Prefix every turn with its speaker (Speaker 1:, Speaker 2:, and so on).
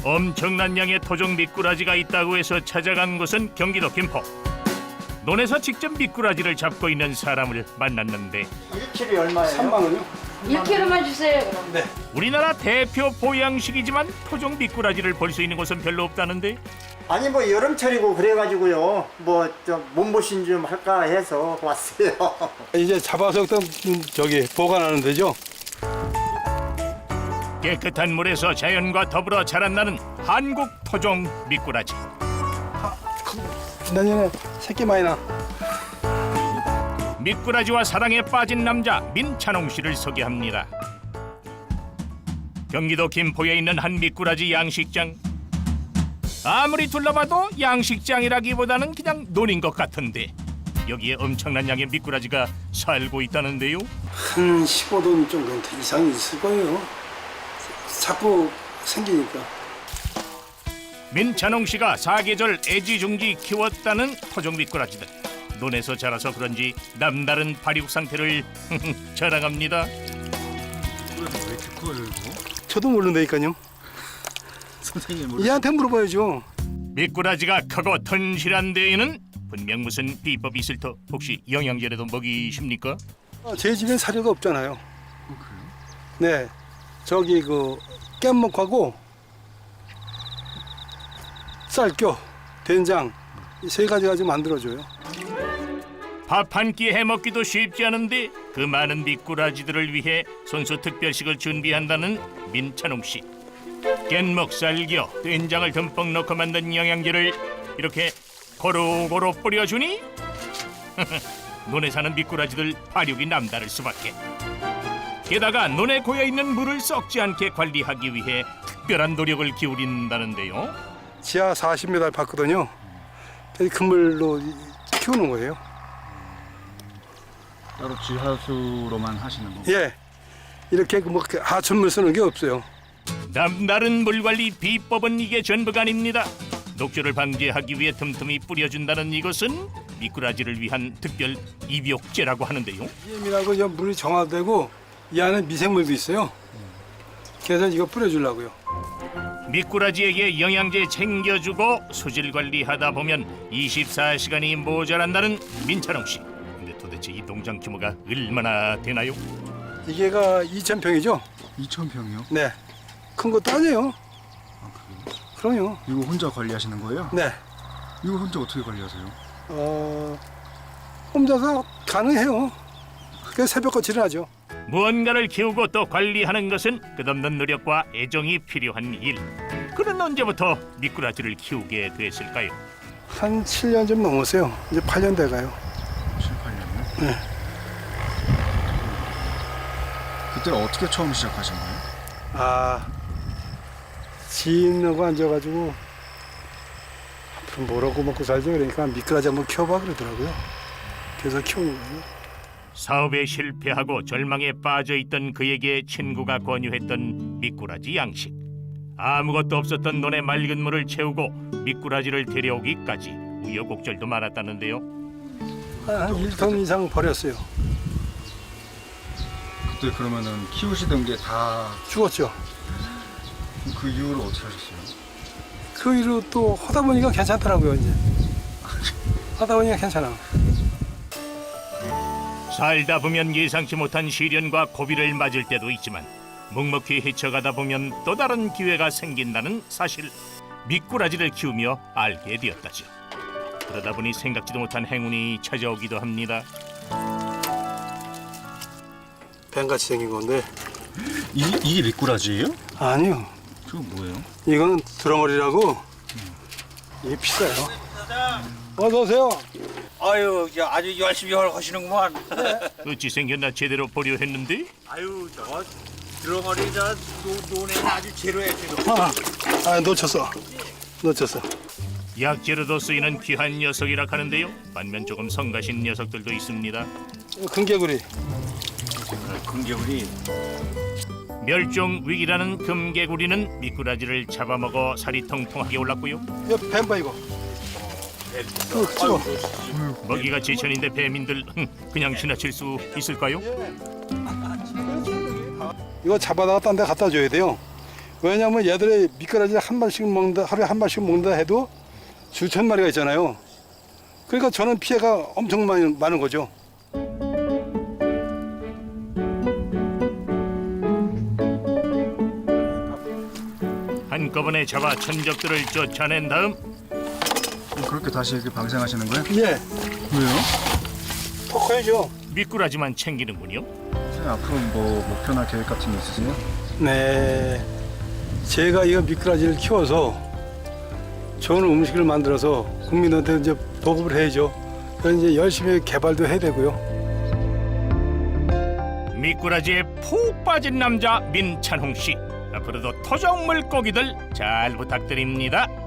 Speaker 1: 엄청난 양의 토종 미꾸라지가 있다고 해서 찾아간 곳은 경기도 김포. 논에서 직접 미꾸라지를 잡고 있는 사람을 만났는데
Speaker 2: 1kg이 얼마예요?
Speaker 3: 3만 원이요?
Speaker 4: 1kg만 주세요 그럼.
Speaker 3: 네.
Speaker 1: 우리나라 대표 보양식이지만 토종 미꾸라지를 볼 수 있는 곳은 별로 없다는데
Speaker 2: 아니 뭐 여름철이고 그래가지고요. 뭐 좀 몸보신 좀 할까 해서 왔어요.
Speaker 3: 이제 잡아서 또 저기 보관하는 데죠.
Speaker 1: 깨끗한 물에서 자연과 더불어 자란다는 한국 토종 미꾸라지.
Speaker 3: 내년에 새끼 많이 나.
Speaker 1: 미꾸라지와 사랑에 빠진 남자 민찬홍 씨를 소개합니다. 경기도 김포에 있는 한 미꾸라지 양식장. 아무리 둘러봐도 양식장이라기보다는 그냥 논인 것 같은데 여기에 엄청난 양의 미꾸라지가 살고 있다는데요.
Speaker 3: 한 15돈 정도 이상이 있을 거예요. 자꾸 생기니까.
Speaker 1: 민찬홍 씨가 사계절 애지중지 키웠다는 토종 미꾸라지들. 논에서 자라서 그런지 남다른 발육 상태를 자랑합니다.
Speaker 5: 왜 이렇게 커요, 이거?
Speaker 3: 저도 모른다니까요.
Speaker 5: 선생님 모르.
Speaker 3: 얘한테 물어봐야죠.
Speaker 1: 미꾸라지가 크고 튼실한 데에는 분명 무슨 비법이 있을 터 혹시 영양제라도 먹이십니까?
Speaker 3: 제 집엔 사료가 없잖아요.
Speaker 5: 그래요?
Speaker 3: 네. 저기 그 깻목하고 쌀교, 된장 이 세 가지 가지고 만들어줘요.
Speaker 1: 밥 한 끼 해먹기도 쉽지 않은데 그 많은 미꾸라지들을 위해 손수 특별식을 준비한다는 민찬홍 씨. 깻목, 쌀겨, 된장을 듬뿍 넣고 만든 영양제를 이렇게 고루고루 뿌려주니 논에 사는 미꾸라지들 발육이 남다를 수밖에. 게다가 논에 고여있는 물을 썩지 않게 관리하기 위해 특별한 노력을 기울인다는데요.
Speaker 3: 지하 40m 봤거든요. 그물로 키우는 거예요.
Speaker 5: 따로 지하수로만 하시는 거?
Speaker 3: 예. 이렇게 뭐 하천물 쓰는 게 없어요.
Speaker 1: 남다른 물관리 비법은 이게 전부가 아닙니다. 녹조를 방지하기 위해 틈틈이 뿌려준다는 이것은 미꾸라지를 위한 특별 입욕제라고 하는데요.
Speaker 3: EM이라고 저 물이 정화되고 이 안에 미생물도 있어요. 그래서 이거 뿌려주려고요.
Speaker 1: 미꾸라지에게 영양제 챙겨주고 수질 관리하다 보면 24시간이 모자란다는 민찬홍 씨. 근데 도대체 이 농장 규모가 얼마나 되나요?
Speaker 3: 이게가 2,000평이죠?
Speaker 5: 2,000평이요?
Speaker 3: 네. 큰 것도 아니에요.
Speaker 5: 아, 그래요?
Speaker 3: 그럼요.
Speaker 5: 이거 혼자 관리하시는 거예요?
Speaker 3: 네.
Speaker 5: 이거 혼자 어떻게 관리하세요?
Speaker 3: 혼자서 가능해요. 그래서 새벽같이 일어나죠.
Speaker 1: 무언가를 키우고 또 관리하는 것은 끝없는 노력과 애정이 필요한 일. 그는 언제부터 미꾸라지를 키우게 됐을까요?
Speaker 3: 한 7년 좀 넘었어요. 이제 8년 돼가요.
Speaker 5: 7, 8년이요?
Speaker 3: 네.
Speaker 5: 그때 어떻게 처음 시작하신 거예요?
Speaker 3: 지인하고 앉아가지고 앞으로 뭐라고 먹고 살지 그러니까 미꾸라지 한번 키워봐 그러더라고요. 그래서 키우는 거예요.
Speaker 1: 사업에 실패하고 절망에 빠져있던 그에게 친구가 권유했던 미꾸라지 양식. 아무것도 없었던 논의 맑은 물을 채우고 미꾸라지를 데려오기까지 우여곡절도 많았다는데요.
Speaker 3: 한 1톤 이상 버렸어요.
Speaker 5: 그때 그러면은 키우시던 게 다
Speaker 3: 죽었죠.
Speaker 5: 그 이후로 어떻게 하셨어요?
Speaker 3: 그 이후로 또 하다 보니까 괜찮더라고요. 이제 하다 보니까 괜찮아.
Speaker 1: 살다 보면 예상치 못한 시련과 고비를 맞을 때도 있지만 묵묵히 헤쳐가다 보면 또 다른 기회가 생긴다는 사실 미꾸라지를 키우며 알게 되었다죠. 그러다 보니 생각지도 못한 행운이 찾아오기도 합니다.
Speaker 3: 뱀같이 생긴 건데
Speaker 5: 이게 미꾸라지예요?
Speaker 3: 아니요.
Speaker 5: 저거 뭐예요?
Speaker 3: 이거는 드러머리라고 이게 비싸요. 어서 오세요.
Speaker 6: 아유, 아주 열심히 하시는구만.
Speaker 1: 어찌 생겼나 제대로 보려 했는데
Speaker 6: 아유, 저거 드러머리 논에는 아주 제로야, 제로.
Speaker 3: 놓쳤어.
Speaker 1: 약재로도 쓰이는 귀한 녀석이라 하는데요. 반면 조금 성가신 녀석들도 있습니다.
Speaker 3: 금개구리.
Speaker 6: 금겨울이
Speaker 1: 멸종 위기라는 금개구리는 미꾸라지를 잡아먹어 살이 통통하게 올랐고요.
Speaker 3: 이거 뱀봐 이거. 찍어.
Speaker 1: 먹이가 제천인데 배민들 그냥 지나칠 수 있을까요?
Speaker 3: 이거 잡아다가 딴 데 갖다 줘야 돼요. 왜냐하면 얘들이 미꾸라지 한 마리씩 먹는다, 하루에 한 마리씩 먹는다 해도 수천 마리가 있잖아요. 그러니까 저는 피해가 엄청 많은 거죠.
Speaker 1: 한꺼번에 잡아 천적들을 쫓아낸 다음
Speaker 5: 그렇게 다시 이렇게 방생하시는 거예요?
Speaker 3: 예,
Speaker 5: 왜요?
Speaker 3: 더 커야죠.
Speaker 1: 미꾸라지만 챙기는군요.
Speaker 5: 선생님 앞으로 뭐 목표나 계획 같은 게 있으세요?
Speaker 3: 네, 제가 이거 미꾸라지를 키워서 좋은 음식을 만들어서 국민한테 이제 보급을 해야죠. 그래서 이제 열심히 개발도 해야 되고요.
Speaker 1: 미꾸라지에 푹 빠진 남자 민찬홍 씨. 앞으로도 토종 물고기들 잘 부탁드립니다.